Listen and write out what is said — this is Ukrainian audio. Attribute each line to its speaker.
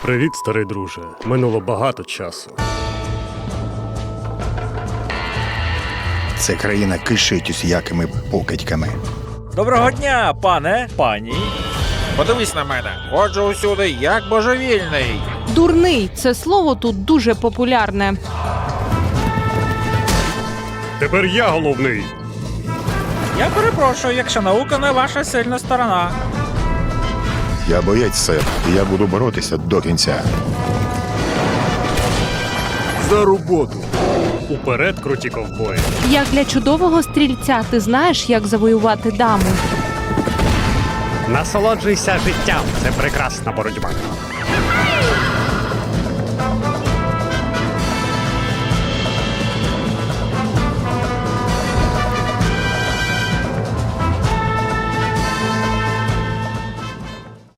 Speaker 1: Привіт, старий друже. Минуло багато часу.
Speaker 2: Це країна кишить усілякими покидьками.
Speaker 3: Доброго дня, пане, пані.
Speaker 4: Подивись на мене. Ходжу усюди, як божевільний.
Speaker 5: Дурний – це слово тут дуже популярне.
Speaker 1: Тепер я головний.
Speaker 3: Я перепрошую, якщо наука не ваша сильна сторона.
Speaker 2: Я боєць, сер, і я буду боротися до кінця.
Speaker 1: За роботу. Уперед, круті ковбої.
Speaker 5: Як для чудового стрільця ти знаєш, як завоювати даму.
Speaker 1: Насолоджуйся життям. Це прекрасна боротьба.